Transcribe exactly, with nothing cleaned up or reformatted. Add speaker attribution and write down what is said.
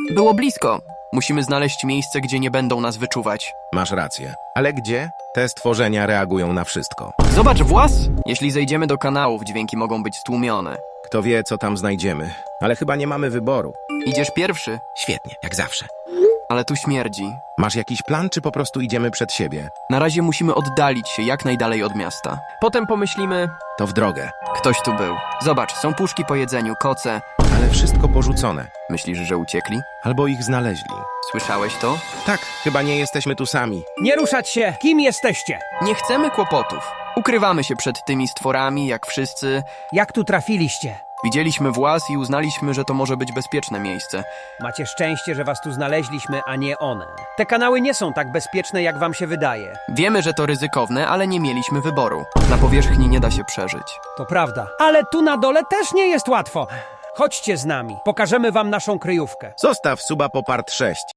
Speaker 1: Było blisko. Musimy znaleźć miejsce, gdzie nie będą nas wyczuwać.
Speaker 2: Masz rację. Ale gdzie? Te stworzenia reagują na wszystko.
Speaker 1: Zobacz włas! Jeśli zejdziemy do kanałów, dźwięki mogą być stłumione.
Speaker 2: Kto wie, co tam znajdziemy. Ale chyba nie mamy wyboru.
Speaker 1: Idziesz pierwszy,
Speaker 2: Świetnie, jak zawsze.
Speaker 1: ale tu śmierdzi.
Speaker 2: Masz jakiś plan, czy po prostu idziemy przed siebie?
Speaker 1: Na razie musimy oddalić się jak najdalej od miasta. Potem pomyślimy,
Speaker 2: To w drogę.
Speaker 1: ktoś tu był. Zobacz, są puszki po jedzeniu, koce.
Speaker 2: Ale wszystko porzucone.
Speaker 1: Myślisz, że uciekli?
Speaker 2: Albo ich znaleźli.
Speaker 1: Słyszałeś to?
Speaker 2: Tak, chyba nie jesteśmy tu sami.
Speaker 3: Nie ruszać się! Kim jesteście?
Speaker 1: Nie chcemy kłopotów. Ukrywamy się przed tymi stworami, jak wszyscy.
Speaker 3: Jak tu trafiliście?
Speaker 1: Widzieliśmy włas i uznaliśmy, że to może być bezpieczne miejsce.
Speaker 3: Macie szczęście, że was tu znaleźliśmy, a nie one. Te kanały nie są tak bezpieczne, jak wam się wydaje.
Speaker 1: Wiemy, że to ryzykowne, ale nie mieliśmy wyboru. Na powierzchni nie da się przeżyć.
Speaker 3: To prawda. Ale tu na dole też nie jest łatwo. Chodźcie z nami. Pokażemy wam naszą kryjówkę.
Speaker 2: Zostaw suba po part sześć.